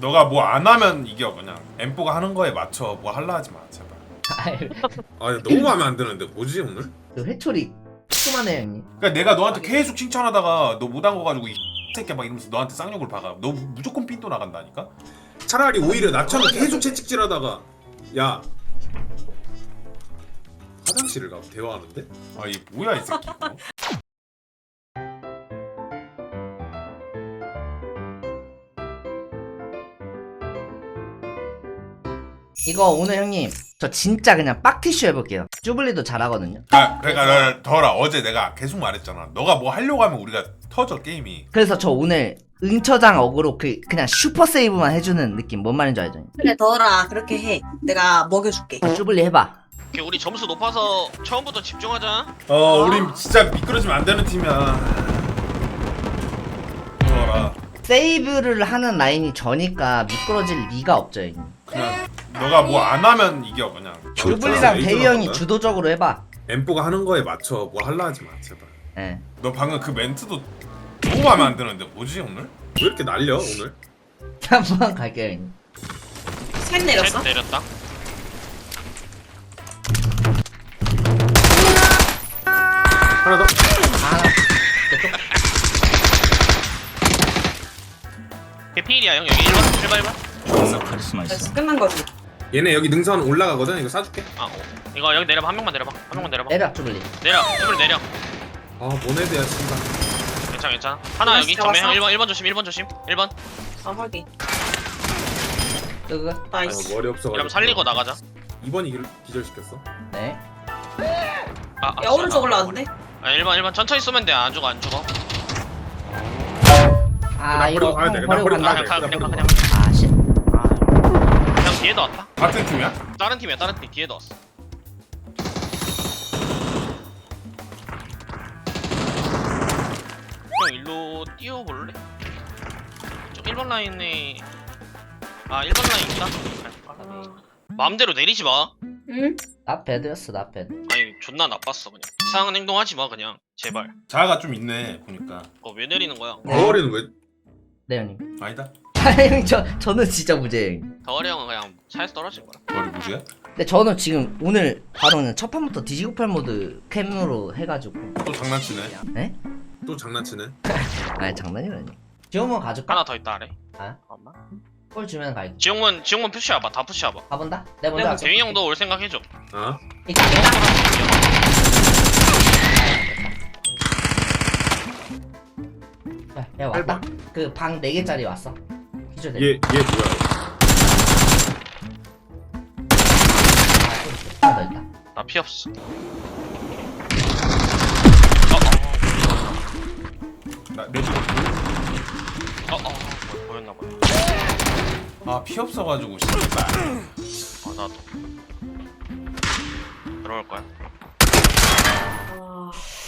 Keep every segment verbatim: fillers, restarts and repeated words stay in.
너가 뭐 안 하면 이겨 그냥. 엠뽀가 하는 거에 맞춰 뭐 할라 하지 마 제발. 아 너무 마음에 안 드는데 뭐지 오늘? 그 회초리 조그만해 형님. 그러니까 내가 너한테 계속 칭찬하다가 너 못한 거 가지고 이 새끼야 막 이러면서 너한테 쌍욕을 박아. 너 무조건 삔또 나간다니까. 차라리 오히려 나처럼 계속 채찍질하다가 야 화장실을 가고 대화하는데? 아 이게 뭐야 이 새끼. 이거? 이거 오늘 형님 저 진짜 그냥 빡티슈 해볼게요. 쭈블리도 잘하거든요. 아 그러니까 더라 어제 내가 계속 말했잖아. 너가 뭐 하려고 하면 우리가 터져 게임이. 그래서 저 오늘 응처장 어그로 그 그냥 슈퍼 세이브만 해주는 느낌. 뭔 말인지 알죠? 형님? 그래 더라 그렇게 해. 내가 먹여줄게. 쭈블리 해봐. 오케이, 우리 점수 높아서 처음부터 집중하자. 어 우린 진짜 미끄러지면 안 되는 팀이야. 더라 세이브를 하는 라인이 저니까 미끄러질 리가 없죠 형님. 그냥 너가 뭐 안 하면 이겨 그냥. 쭈블리랑 에이즈로 대희 형이 할까요? 주도적으로 해봐. 엠뽀가 하는 거에 맞춰 뭐 할라 하지 마 제발. 예. 너 방금 그 멘트도 너무 마음에 안 드는데 뭐지 오늘? 왜 이렇게 날려 오늘? 한번 갈게요 형님. 셋 내렸어? 셋 내렸다. 하나 더. 아, 저쪽. 개피일이야 형 여기 일 번 일 번 일 번. 그래서 끝난 거지. 얘네 여기 능선 올라가거든. 이거 쏴줄게. 아 어. 이거 여기 내려봐 한 명만 내려봐 한 명만 내려봐. 내려 쭈블리. 내려 쭈블 내려. 아 모네드야 씨발. 괜찮아 괜찮아. 하나 여기 잡았어? 정면 형 일 번 일 번 조심 일 번 조심 일 번. 아 확인. 끄그. 아, 나이스. 머리 없어가지고. 그럼 살리고 나가자. 이 번이 길- 기절시켰어. 네. 아, 아 야 오른쪽 올라왔는데? 아 일 번 일 번 천천히 쏘면 돼안 죽어 안 죽어. 아 나 이거 버리고 가야 돼, 형 나 버리고 버리고 간다. 가야 그냥 돼. 가 그냥 가 그냥 그냥. 아 씨. 아. 그냥 뒤에도 왔다. 같은 팀이야? 다른 팀이야 다른 팀 뒤에도 왔어. 형 일로 뛰어볼래? 저 일 번 라인에 아 일 번 라인 있다? 아. 마음대로 내리지 마. 응? 나 배드였어 나 배드. 아니 존나 나빴어 그냥. 이상한 행동하지 마 그냥 제발. 자아가 좀 있네 보니까. 어 왜 내리는 거야? 머리는 왜? 네 형님. 아니다. 아 형님 저 저는 진짜 무죄예요. 형님. 덩어리 형은 그냥 차에서 떨어진 거야. 머리 무지야? 근데 저는 지금 오늘 바로 그냥 첫 판부터 디지구팔 모드 캠으로 해가지고. 또 장난치네. 네? 또 장난치네. 아니 장난이라니. 지용문 가줄까? 하나 더 있다 아래. 아? 잠깐만. 골 주면 갈게. 지용문 지용문 푸시해봐 다 푸시해봐. 가본다? 내가 먼저 내가 갈게. 대위 형도 올 생각 해줘. 아? 이거 야, 야 왔다. 그 방 네 개짜리 왔어. 기절 얘 얘 뭐야? 하나 더 있다. 나 피 없어. 나내 집. 어어 어, 어, 보였나 봐. 아피 없어가지고 씨발. 아 나도. 들어올 거야. 아...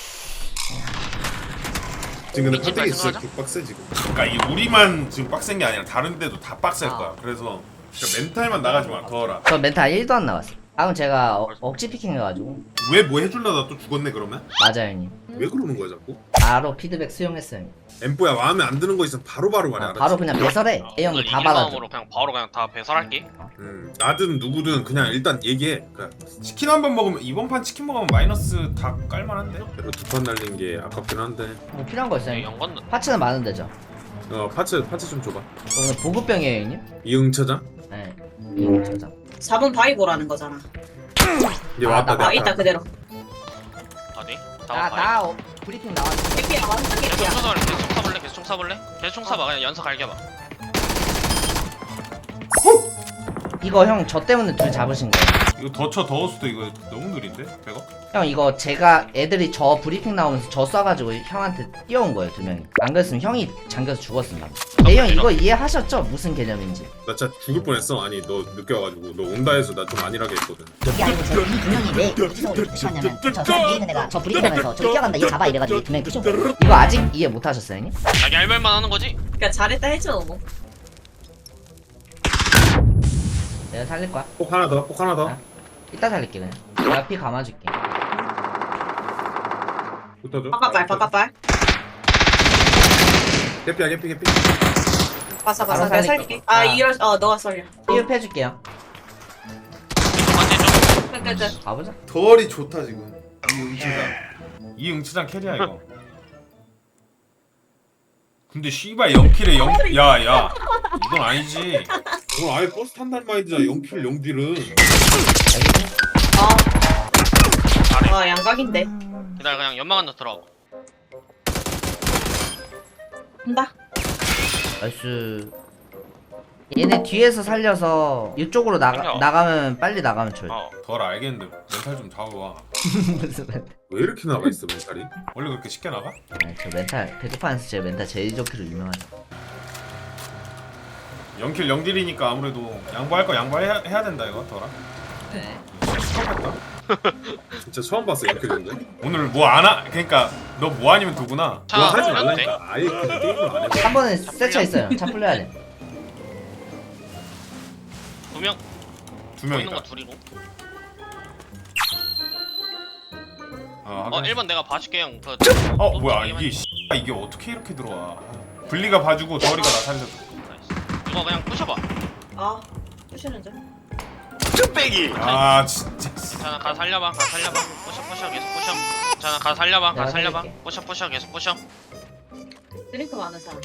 지금 근데 미친 깜짝이 진짜 말씀하자? 빡세 지금. 그러니까 이 우리만 지금 빡센 게 아니라 다른 데도 다 빡셀 아. 거야. 그래서 진짜 멘탈만 나가지 마. 더라. 저 멘탈 일도 안 나왔어. 다음 제가 어, 억지 피킹 해가지고. 왜 뭐 해줄려다 또 죽었네 그러면? 맞아요 형님. 왜 그러는 거야 자꾸? 바로 피드백 수용했어요 형님. 엠뽀야 마음에 안 드는 거 있으면 바로바로 말해. 아, 알았지? 바로 그냥 배설해. 어, A 형도 오늘 다 이길 받아줘. 마음으로 그냥 바로 그냥 다 배설할게. 음, 나든 누구든 그냥 일단 얘기해. 그냥 치킨 한 번 먹으면 이번 판 치킨 먹으면 마이너스 다 깔만한데? 그래도 두판 날린 게 아깝긴 한데. 뭐 필요한 거 있어요 네, 형님? 연건 파츠는 많은 데죠. 어 파츠 파츠 좀 줘봐. 오늘 보급병이에요 형님? 이응처장? 네. 이거 저장. 사 번 바이보라는 거잖아. 얘 아, 왔다. 나- 아 내가 있다 그대로. 어디? 나, 나 나 어, 브리핑 나왔어. 개피야 완전 계속 개피야. 총 쏴볼래? 계속 총 쏴볼래? 계속 총 쏴볼래? 계속 총 쏴봐 그냥 연사 갈겨봐. 이거 형 저 때문에 둘 잡으신 거예요. 이거 더쳐 더웠어도 이거 너무 느린데? 백업? 형 이거 제가 애들이 저 브리핑 나오면서 저 쏴가지고 형한테 뛰어온 거예요 두 명이. 안 그랬으면 형이 잠겨서 죽었습니다. 네 형 이거 이해하셨죠? 무슨 개념인지. 나 진짜 죽을 뻔했어. 아니 너 늦게 와가지고 너 온다 해서 나 좀 안일하게 했거든. 이게 아니고 저이 두 명이 왜 구성으로 붙였냐면 저 사람 위에 있는 애가 저 브리핑하면서 저기 뛰어간다 얘 잡아 이래가지고 두 명이 붙인 거예요. 이거 아직 이해 못 하셨어요 형님? 자기 할 말만 하는 거지? 그러니까 잘했다 해줘. 뭐. 내가 살릴 거야. 폭 하나 더. 폭 하나 더. 아. 이따 살릴게 그냥. 내가 피 감아줄게. 붙어줘. 바깥발 바깥발. 개피야 개피 개피. 바사 바로 바사 내가 살릴게. 살릴게. 아 아. 이럴 어 너가 살려. 삐업 해줄게요. 반대 좀. 끝끝. 가보자. 덜이 좋다 지금. 이 응치장 이 응치장 캐리야 이거. 근데 씨발 영 킬에 영 야야 이건 아니지. 너 아예 버스 탄다는 마인드잖아. 영 킬 영 딜은. 어. 아 양각인데. 기다려 그냥 연막 안으로 들어가. 한다. 나이스. 얘네 뒤에서 살려서 이쪽으로 나가 살려. 나가면 빨리 나가면 좋아. 어. 덜 알겠는데 멘탈 좀 잡아봐. 무슨 멘탈? 왜 이렇게 나가 있어 멘탈이? 원래 그렇게 쉽게 나가? 아니, 저 멘탈 배드판에서 제 멘탈 제일 좋기로 유명하죠. 영 킬 영 딜이니까 아무래도 양보할 거 양보해야 해야 된다 이거 덜아. 네. 처음 봤다. 진짜 처음 봤어 영 킬 정도. 오늘 뭐 안 하? 그러니까 너 뭐 아니면 도구나. 차 그거 하지 풀려도 돼? 말라니까. 아예 그냥 게임을 안 해. 한 번에 세차 있어요. 차 풀려야 돼. 두 명. 두 보이는 거 명이다. 둘이고. 어, 어 하긴. 일 번 내가 봐줄게 형. 그. 어 뭐야 이게 씨, 이게 어떻게 이렇게 들어와? 분리가 봐주고 덜이가 나 살려줘. 나이스. 이거 그냥 부셔봐. 아 부시는 줄. 아 진짜. 괜찮아 가 살려봐. 가 살려봐. 부셔 부셔 계속 부셔. 괜찮아 가 살려봐. 가 내가 살려봐. 살릴게. 부셔 부셔 계속 부셔. 드링크 많은 사람.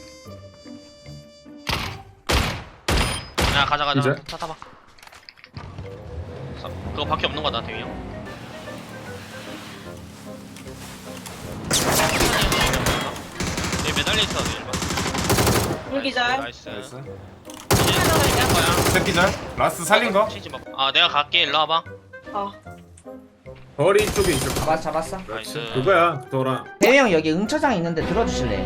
야 가자 가자. 이제? 차 타봐. 사- 그거밖에 없는 거다 대기 형. 얘 매달려 있어 일 번. 불기절. 나이스. 나이스. 이제 살릴 거야. 새끼절 라스트 살린 거? 치지 마. 아 내가 갈게 일로 와봐. 어. 덜이 쪽에 있어. 잡았 잡았어. 나이스. 그거야 덜아. 대희 형 여기 응처장 있는데 들어주실래요?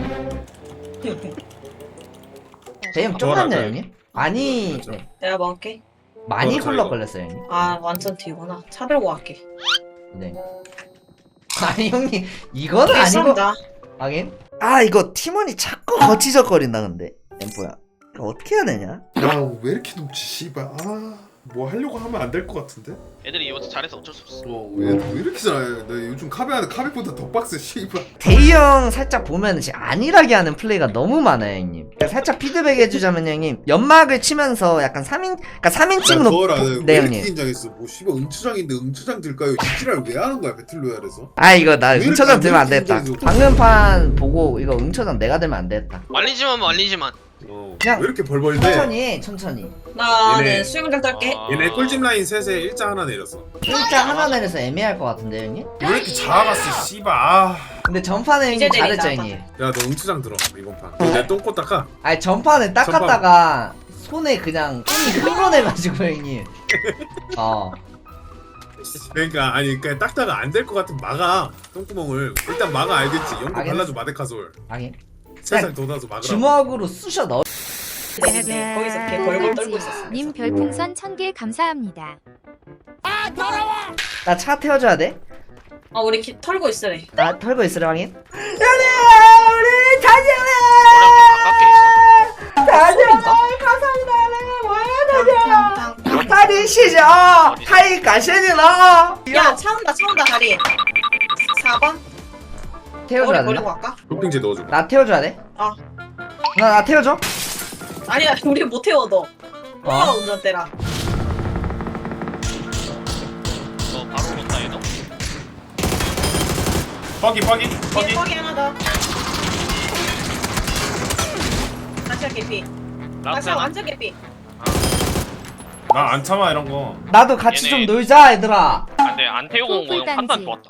대희 형 쫄았네요 덜하다. 형님? 많이 맞아. 네. 내가 먹을게. 많이 덜 굴러 이거. 걸렸어요 형님. 아 완전 뒤구나. 차 들고 갈게. 네. 아니 형님 이거는 아니고 쏜다. 하긴. 아 이거 팀원이 자꾸 거치적거린다 근데 엠포야. 이거 어떻게 해야 되냐? 야왜 이렇게 높지 씨발. 아뭐 하려고 하면 안 될 것 같은데. 애들이 이것도 잘해서 어쩔 수 없어. 어왜 왜 이렇게 잘해? 나 요즘 카베하는 카베보다 더 빡세 씨발. 대희 형 살짝 보면 진짜 안일하게 하는 플레이가 너무 많아요 형님. 그러니까 살짝 피드백 해주자면 형님 연막을 치면서 약간 삼인 그러니까 삼인칭으로 덜 보- 네 네 이렇게 형님. 긴장했어. 뭐 씨발 응추장인데 응추장 들까요? 이 지랄 왜 하는 거야 배틀로얄에서? 아 이거 나 왜 이렇게 응처장 안 들면 안 이렇게 되겠다. 긴장해서. 방금 판 보고 이거 응처장 내가 들면 안 되겠다. 말리지만 말리지만. 어. 그냥 왜 이렇게 벌벌대? 천천히 천천히. 나는 얘네. 수영장 딸게. 아. 얘네 꿀집 라인 셋에 일자 하나 내렸어. 일자 하나 내려서 애매할 것 같은데 형님? 왜 이렇게 작아갔어 씨발. 아. 근데 전판에 이제 형님 잘했죠 내리자, 형님. 야 너 응추장 들어 이번 판. 내 똥꼬 닦아. 아니 전판에 닦았다가 손에 그냥 손이 흘러내가지고 형님. 어. 그러니까 아니 그냥 닦다가 안 될 것 같으면 막아 똥구멍을. 일단 막아 알겠지. 연고 알겠어. 발라줘 마데카솔. 하긴. 세상 돋아서 막으라. 주먹으로 쑤셔 넣어. 네, 거기서 걔 벌벌 떨고 있었어. 님 별풍선 천 개 감사합니다. 나 차 태워줘야 돼? 아 우리 키 털고 있으래. 나 털고 있으라 하긴. 형님 우리 다녀와. 머리 좀 가깝게 있어. 다녀와 감사합니다. 뭐야 다녀와. 다니시죠. 하이 가시니라. 야 차 온다 차 온다 다리. 사 번. 태워줘야 머리 버리고 되나? 갈까? 쇼핑제 넣어줘. 나 태워줘야 돼? 어. 나 나 태워줘. 아니야 우리 못 태워 너. 너가 어? 운전대라. 너 바로 온다 얘도. 뻐기 뻐기 뒤에 뻐기. 턱이 하나 더. 다시 개피. 다시 라스트 하나. 완전 개피. 나 안 참아 이런 거. 나도 같이 얘네. 좀 놀자 얘들아. 안돼 안 태우고 온 거 형 판단 좋았다.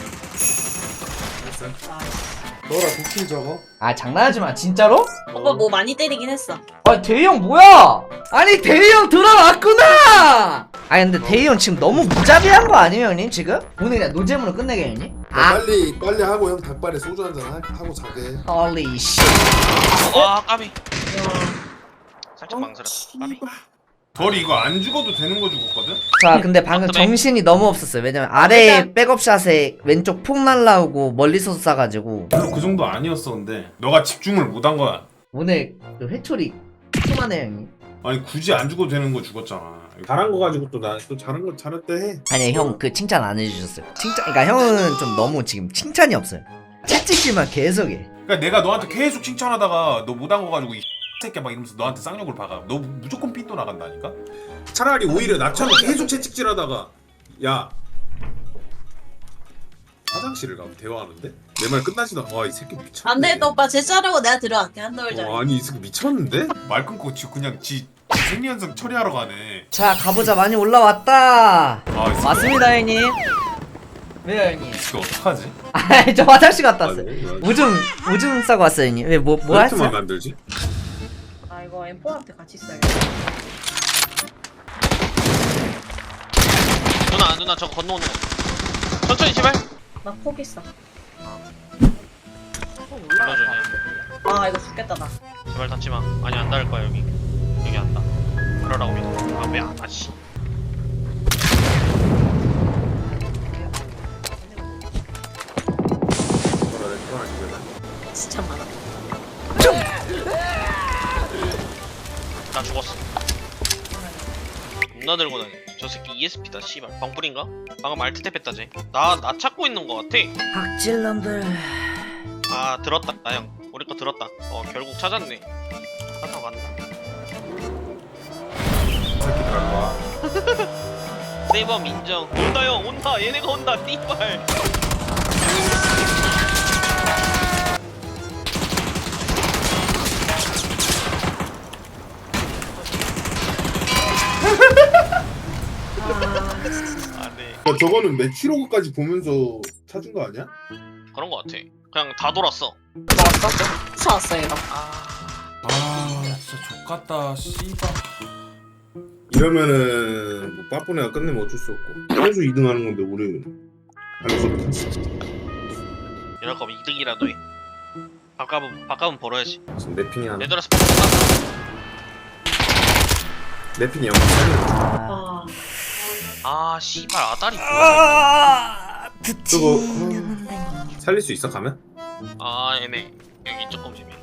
너라 도킬 적어. 아 장난하지 마 진짜로? 오빠 뭐 많이 때리긴 했어. 아 대희 형 뭐야? 아니 대희 형 들어왔구나. 아니 근데 대희 형 지금 너무 무자비한 거 아니에요 형님 지금? 오늘 그냥 노잼으로 끝내게 형님? 야, 아 빨리 빨리 하고 형 닭발에 소주 한잔 하고 자게. 홀리 씨. 아 까비. 살짝 망설였다. 까비. 덜이 이거 안 죽어도 되는 거 죽었거든? 자 근데 방금 어떡해? 정신이 너무 없었어요. 왜냐면 아래 백업샷에 왼쪽 폭 날라오고 멀리서 쏴가지고 별로 그 정도 아니었어 근데 너가 집중을 못 한 거야. 오늘 그 회초리 심하네 형님. 아니 굳이 안 죽어도 되는 거 죽었잖아. 잘한 거 가지고 또 나 또 잘한 거 잘했대 해. 아니 형 그 칭찬 안 해주셨어요. 칭찬 그러니까 형은 좀 너무 지금 칭찬이 없어요. 채찍질만 계속해. 그러니까 내가 너한테 계속 칭찬하다가 너 못 한 거 가지고 이 새끼야 막 이러면서 너한테 쌍욕을 박아. 너 무조건 핀도 나간다니까? 차라리 오히려 나처럼 계속 채찍질하다가 야 화장실을 가면 대화하는데 내 말 끝나지도 않아. 와이 새끼 미쳤네. 안 되겠다 오빠 제 자르고 내가 들어갈게 한 돌자. 어, 아니 이 새끼 미쳤는데? 말 끊고 지 그냥 지 생리현상 처리하러 가네. 자 가보자. 많이 올라왔다. 아, 이 새끼 맞습니다 형님. 왜요 형님? 이거 어떡하지? 아 저 화장실 갔다 왔어요. 아니, 아니. 오줌 오줌 싸고 왔어요 형님. 왜 뭐 뭐 왜 했어요? 이렇게만 만들지? 아 이거 엠포한테 같이 써야겠다. 누나 누나 저거 건너오는 거 천천히 제발. 나 포기했어. 불러줘 그냥. 아 이거 죽겠다 나. 제발 닿지마. 아니 안 닿을 거야 여기. 여기 안 닿아. 그러라고 믿어. 아 왜 안 닿지? 뭐라 내 편하지 진짜 많아. 나 죽었어. 겁나 들고 다니. 저 새끼 이에스피다 씨발. 방풀인가? 방금 알트 탭했다 쟤. 나나 찾고 있는 거 같아. 박질놈들. 아 들었다 나 형. 우리 거 들었다. 어 결국 찾았네. 찾아 간다. 새끼들 할 거야. 세이버 인정. 온다 형 온다. 얘네가 온다. 띠발. 아네 야, 저거는 매치로그까지 보면서 찾은 거 아니야? 그런 거 같아. 그냥 다 돌았어. 쫓아왔어 이거. 아 진짜 족같다 씨발. 이러면은 뭐 빠뿌네가 끝내면 어쩔 수 없고 계속 이 등 하는 건데 우리는 할수 없지. 이럴 거면 이득이라도 해. 밥값은 밥값은 벌어야지. 지금 랩핑이 하나 얘들아 스포츠 다 랩핑이 영상 살리는 아 아 씨발 아다리 뭐야? 아 저거 드치는 살릴 수 있어 가면? 아 얘네 여기 조금 재미.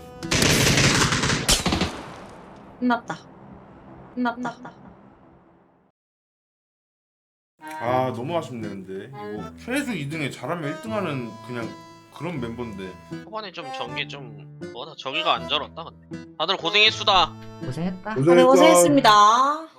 끝났다. 끝났다. 아 너무 아쉽네 근데 이거 최소 이 등에 잘하면 일 등 하는 그냥 그런 멤버인데. 초반에 좀 전개 좀 뭐다 저기가 안 저렇다 근데. 다들 고생했수다. 고생했다. 네 고생했습니다.